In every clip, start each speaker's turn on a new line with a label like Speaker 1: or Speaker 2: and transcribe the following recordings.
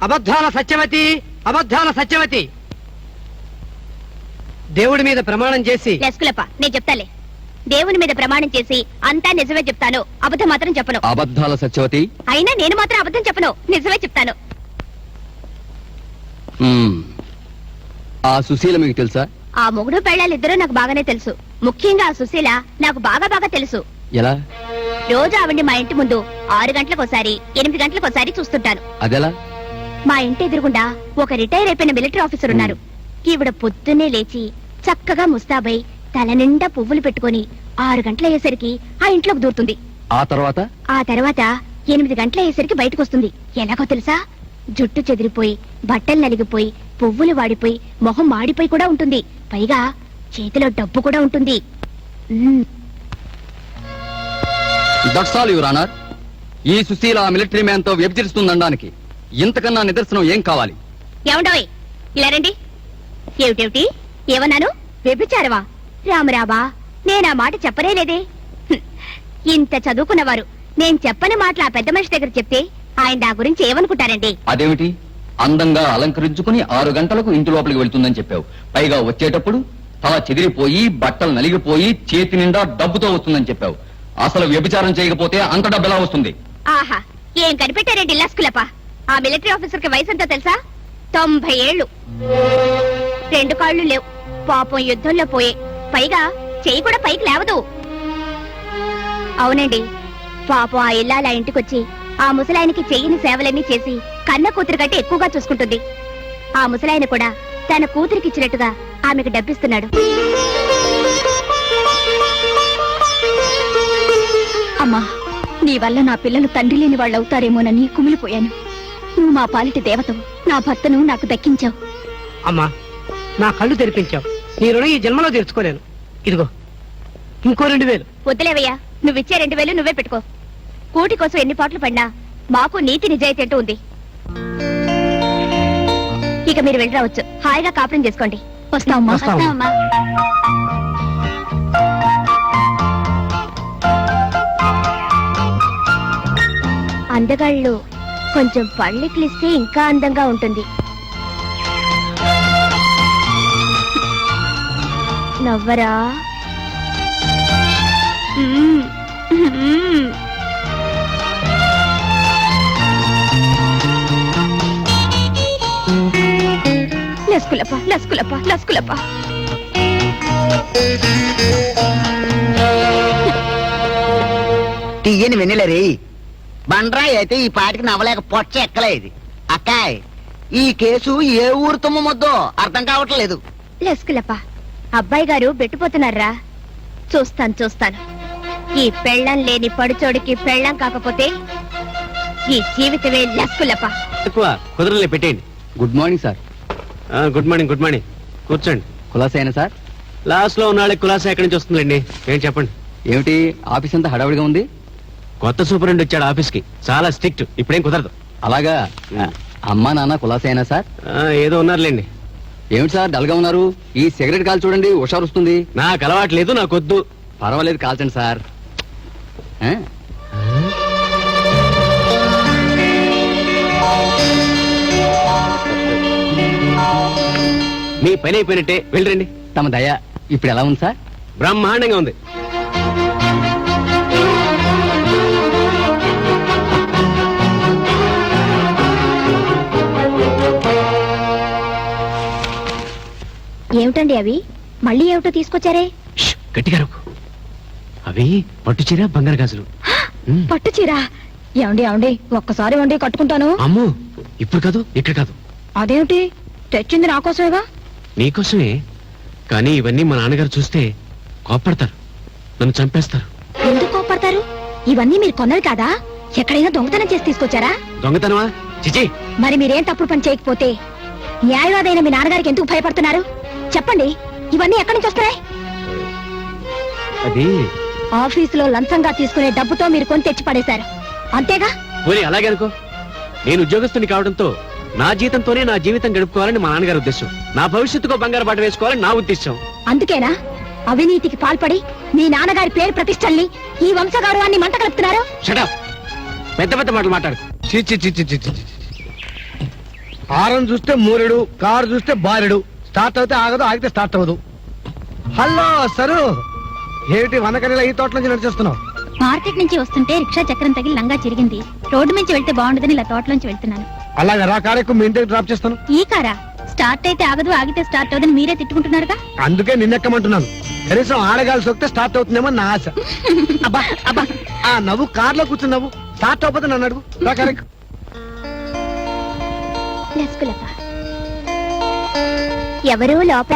Speaker 1: అబద్ధాల సత్యవతి, అబద్ధాల సత్యవతి, దేవుడి మీద ప్రమాణం చేసి.
Speaker 2: లెస్కులప్ప, నేను చెప్తాలే. దేవుని మీద ప్రమాణం చేసి అంతా నిజమే చెప్తాను, అబద్ధం మాత్రం చెప్పను.
Speaker 3: అబద్ధాల సత్యవతి.
Speaker 2: అయినా నేను మాత్రం అబద్ధం చెప్పను, నిజమే చెప్తాను.
Speaker 3: ఆ సుశీల మీకు తెలుసా?
Speaker 2: ఆ మొగుడు పెళ్ళాలిద్దరూ నాకు బాగానే తెలుసు. ముఖ్యంగా ఆ సుశీల నాకు బాగా బాగా తెలుసు.
Speaker 3: ఎలా?
Speaker 2: రోజు ఆవిడ్ని మా ఇంటి ముందు 6 గంటలకోసారి 8 గంటలకోసారి చూస్తుంటాను.
Speaker 3: అదెలా?
Speaker 2: మా ఇంటి ఎదురుగుండా ఒక రిటైర్ అయిపోయిన మిలిటరీ ఆఫీసర్ ఉన్నారు. ఈవిడ పొద్దున్నే లేచి చక్కగా ముస్తాబై తల నిండా పువ్వులు పెట్టుకుని 6 గంటలయ్యేసరికి ఆ ఇంట్లోకి దూరుతుంది.
Speaker 3: ఆ తర్వాత
Speaker 2: 8 గంటలయ్యేసరికి బయటకు వస్తుంది. ఎలాగో తెలుసా? జుట్టు చెదిరిపోయి, బట్టలు నలిగిపోయి, పువ్వులు వాడిపోయి, మొహం మాడిపోయి కూడా ఉంటుంది. పైగా చేతిలో డబ్బు కూడా ఉంటుంది.
Speaker 3: That's all your honour. ఈ సుశీల మిలిటరీ మ్యాన్ తో వ్యభిచరిస్తుందనడానికి ఇంతకన్నా నిదర్శనం ఏం కావాలి?
Speaker 2: ఏమండోయ్, ఇలా రండి. ఏమిటేమిటి? ఏమన్నాను? వ్యభిచారవా? రామరాబా, నేనా మాట చెప్పనే లేదే. ఇంత చదువుకున్నవారు నేను చెప్పని మాటలు ఆ పెద్ద మనిషి దగ్గర చెప్తే ఆయన నా గురించి ఏమనుకుంటారండి?
Speaker 3: అదేమిటి? అందంగా అలంకరించుకుని 6 గంటలకు ఇంటి లోపలికి వెళ్తుందని చెప్పావు. పైగా వచ్చేటప్పుడు తల చెదిరిపోయి, బట్టలు నలిగిపోయి, చేతి నిండా డబ్బుతో వస్తుందని చెప్పావు. అసలు వ్యభిచారం చేయకపోతే అంత డబ్బు ఎలా వస్తుంది?
Speaker 2: ఆహా, ఏం కనిపెట్టారండి లస్కులప్ప. ఆ మిలిటరీ ఆఫీసర్ కి వయసు ఎంతో తెలుసా? 90 ఏళ్లు. 2 కాళ్ళు లేవు. పాపం యుద్ధంలో పోయే. పైగా చెయ్యి కూడా పైకి లేవదు. అవునండి, పాపం ఆ ఇల్లాల ఇంటికొచ్చి ఆ ముసలాయనకి చెయ్యిని సేవలన్నీ చేసి కన్న కూతురు కంటే ఎక్కువగా చూసుకుంటుంది. ఆ ముసలాయన కూడా తన కూతురికిచ్చినట్టుగా ఆమెకు డబ్బిస్తున్నాడు. అమ్మా, నీ వల్ల నా పిల్లలు తండ్రి లేని వాళ్ళు అవుతారేమోనని కుమిలిపోయాను. నువ్వు మా పాలిటి దేవతవు. నా భర్తను నాకు దక్కించావు.
Speaker 1: అమ్మా, నా కళ్ళు తెరిపించావు. నీ రుణం ఈ జన్మలో తీర్చుకోలేను. ఇదిగో ఇంకో 2000.
Speaker 2: వద్దులేవయ్యా, నువ్విచ్చే 2000 నువ్వే పెట్టుకో. కూటి కోసం ఎన్ని పాటలు పడినా మాకు నీతి నిజాయితీ అంటూ ఉంది. ఇక మీరు వెళ్ళి రావచ్చు. హాయిగా కాపురం చేసుకోండి. వస్తామమ్మా. వస్తామమ్మా. అందగాళ్ళు కొంచెం పళ్ళికిలిస్తే ఇంకా అందంగా ఉంటుంది. నవ్వరా? లస్కులప్ప, లస్కులప్ప, లస్కులప్ప.
Speaker 4: తీయని వెన్నెలరి బండ్రాయి అయితే ఈ పాటికి నవ్వలేక పొచ్చ ఎక్కలేదు. అక్కాయ్, ఈ కేసు ఏ ఊరు తుమ్మొద్దో అర్థం కావట్లేదు.
Speaker 2: లస్కులప్ప, అబ్బాయి గారు బెట్టుపోతున్నారా? చూస్తాను. ఈ పెళ్ళం లేని పడుచోడికి పెళ్ళం కాకపోతే ఈ జీవితమే లస్కులప్ప.
Speaker 5: కుదరలే, పెట్టేయండి.
Speaker 3: Good morning sir.
Speaker 5: Good morning. Good morning. కూర్చోండి.
Speaker 3: కులాసైనా సార్?
Speaker 5: లాస్ట్ లో ఉన్నాళ్ళకి కులాసా ఎక్కడి నుంచి వస్తుందండి? ఏం చెప్పండి.
Speaker 3: ఏమిటి ఆఫీస్ అంతా హడావుడిగా ఉంది?
Speaker 5: కొత్త సూపరింటెండెంట్ వచ్చాడు ఆఫీస్ కి. చాలా స్ట్రిక్ట్. ఇప్పుడేం కుదరదు.
Speaker 3: అలాగా? అమ్మా నాన్న కులాసైనా సార్?
Speaker 5: ఏదో ఉన్నారులేండి.
Speaker 3: ఏమిటి సార్ డల్గా ఉన్నారు? ఈ సిగరెట్ కాల్ చూడండి, హుషారు వస్తుంది.
Speaker 5: నాకు అలవాటు లేదు, నాకు వద్దు.
Speaker 3: పర్వాలేదు, కాల్చండి సార్.
Speaker 5: మీ పని అయిపోయినట్టే, వెళ్ళండి.
Speaker 3: తమ దయ. ఇప్పుడు ఎలా ఉంది సార్?
Speaker 5: బ్రహ్మాండంగా ఉంది.
Speaker 2: ఏమిటండి అవి? మళ్ళీ ఏమిటో తీసుకొచ్చారే?
Speaker 5: గట్టిగా అవి పట్టు చీర, బంగారు గాజులు.
Speaker 2: పట్టు చీర? ఏమండి ఒక్కసారి వండి కట్టుకుంటాను.
Speaker 5: అమ్మో, ఇప్పుడు కాదు, ఇక్కడ కాదు.
Speaker 2: అదేమిటి? తెచ్చింది నా కోసమేగా.
Speaker 5: నీకోసమే, కానీ ఇవన్నీ మా నాన్నగారు చూస్తే కోప్పడతారు, నన్ను చంపేస్తారు.
Speaker 2: ఎందుకు కోప్పడతారు? ఇవన్నీ మీరు కొన్నది కాదా? ఎక్కడైనా దొంగతనం చేసి తీసుకొచ్చారా?
Speaker 5: దొంగతనమా? చిచి.
Speaker 2: మరి మీరేం తప్పుడు పని చేయకపోతే న్యాయవాదైన మీ నాన్నగారికి ఎందుకు భయపడుతున్నారు? చెప్పండి, ఇవన్నీ ఎక్కడి నుంచి వస్తున్నాయి?
Speaker 5: అది
Speaker 2: ఆఫీసులో లంచంగా తీసుకునే డబ్బుతో మీరు కొని తెచ్చి పడేశారు, అంతేగా?
Speaker 5: పోనీ అలాగే అనుకో. నేను ఉద్యోగస్తుని కావడంతో నా జీతంతోనే నా జీవితం గడుపుకోవాలని మా నాన్నగారి ఉద్దేశం. నా భవిష్యత్తుకో బంగారు బాట వేసుకోవాలని నా ఉద్దేశం.
Speaker 2: అందుకేనా అవినీతికి పాల్పడి మీ నాన్నగారి పేరు ప్రతిష్టల్ని, ఈ వంశగౌరవాన్ని మంట కలుపుతున్నారు?
Speaker 5: Shut up. పెద్ద పెద్ద మాటలు మాట్లాడు.
Speaker 6: హారం చూస్తే మూరెడు, కారు చూస్తే బారెడు. స్టార్ట్ అవుతే ఆగదు, ఆగితే స్టార్ట్ అవ్వదు. హలో సరు, ఏమిటి వందకరిలా ఈ తోట నుంచి నడిచేస్తున్నావు?
Speaker 2: మార్కెట్ నుంచి వస్తుంటే రిక్షా చక్రం తగిలి లంగా చిరిగింది. రోడ్డు నుంచి వెళ్తే బాగుండదని ఇలా తోటలోంచి వెళ్తున్నాను.
Speaker 6: అలాగే రా, కారెక్కు మీ ఇంటికి డ్రాప్ చేస్తాను.
Speaker 2: ఈ కారా స్టార్ట్ అయితే ఆగదు, ఆగితే స్టార్ట్ అవుదని మీరే తిట్టుకుంటున్నారుగా.
Speaker 6: అందుకే నిన్నెక్కమంటున్నాను. కనీసం ఆడగాలి సొక్కితే స్టార్ట్ అవుతుందేమో నా ఆశ. అబ్బా అబ్బా, ఆ నవ్వు కార్లో కూర్చుని నవ్వు. స్టార్ట్ అవ్వకపోతే నన్ను అడుగు. రా కారెక్కు.
Speaker 2: లస్కులప్ప. ఎవరు లోపల?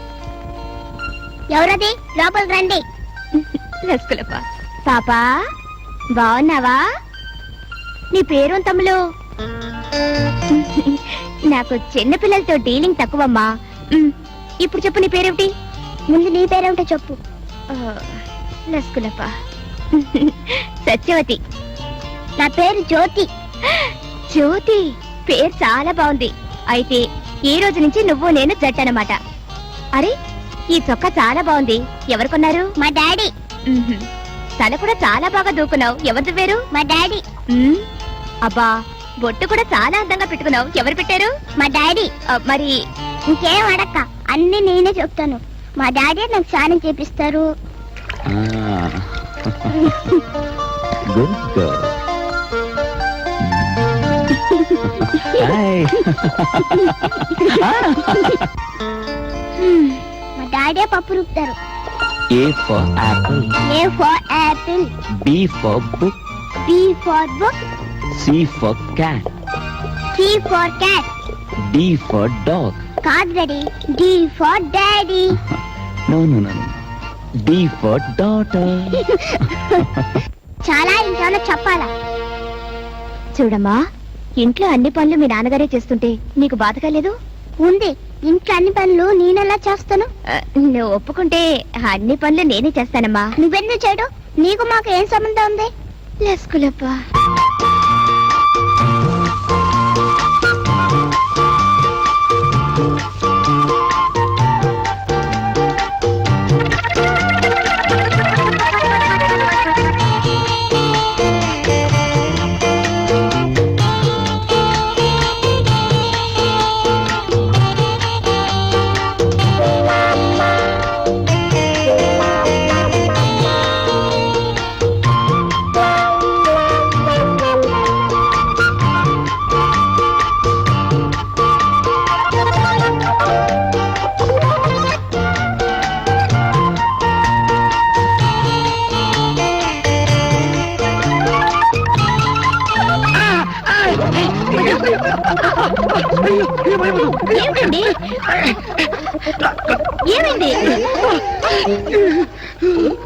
Speaker 2: ఎవరది? లోపల రండి. లస్కులప్ప. పాపా బాగున్నావా? నీ పేరు తమ్ములు? నాకు చిన్న పిల్లలతో డీలింగ్ తక్కువమ్మా. ఇప్పుడు చెప్పు, నీ పేరేమిటి? ముందు నీ పేరేమిటో చెప్పు. లస్కులప్ప. సత్యవతి. నా పేరు జ్యోతి. జ్యోతి పేరు చాలా బాగుంది. అయితే ఈ రోజు నుంచి నువ్వు నేను జట్టనమాట. అరే, ఈ చొక్కా చాలా బాగుంది. ఎవరు కొన్నారు? మా డాడీ. తల కూడా చాలా బాగా దూకున్నావు. ఎవరిది పేరు? మా డాడీ. అబ్బా, బొట్టు కూడా చాలా అందంగా పెట్టుకున్నావు. ఎవరు పెట్టారు? మా డాడీ. మరి ఇంకేం అడక్క, అన్ని నేనే చెప్తాను. మా డాడీ నాకు స్నానం చేపిస్తారు. మా డాడీ పప్పు రుపుతారు.
Speaker 3: A for apple,
Speaker 2: A for apple,
Speaker 3: B for book,
Speaker 2: B for book,
Speaker 3: C for cat,
Speaker 2: C for cat.
Speaker 3: D for dog.
Speaker 2: కాదు daddy, D for daddy.
Speaker 3: No, no, no, no. D for daughter.
Speaker 2: చాలా ఇంట్లో చెప్పాలా? చూడమ్మా, ఇంట్లో అన్ని పనులు మీ నాన్నగారే చేస్తుంటే నీకు బాధగా లేదు? ఉంది. ఇంట్లో అన్ని పనులు నేనెలా చేస్తాను? నువ్వు ఒప్పుకుంటే అన్ని పనులు నేనే చేస్తానమ్మా. నువ్వెందుకు చేయడం? నీకు మాకు ఏం సంబంధం ఉంది? లస్కులప్ప. ఏమిటండి? ఏమైంది?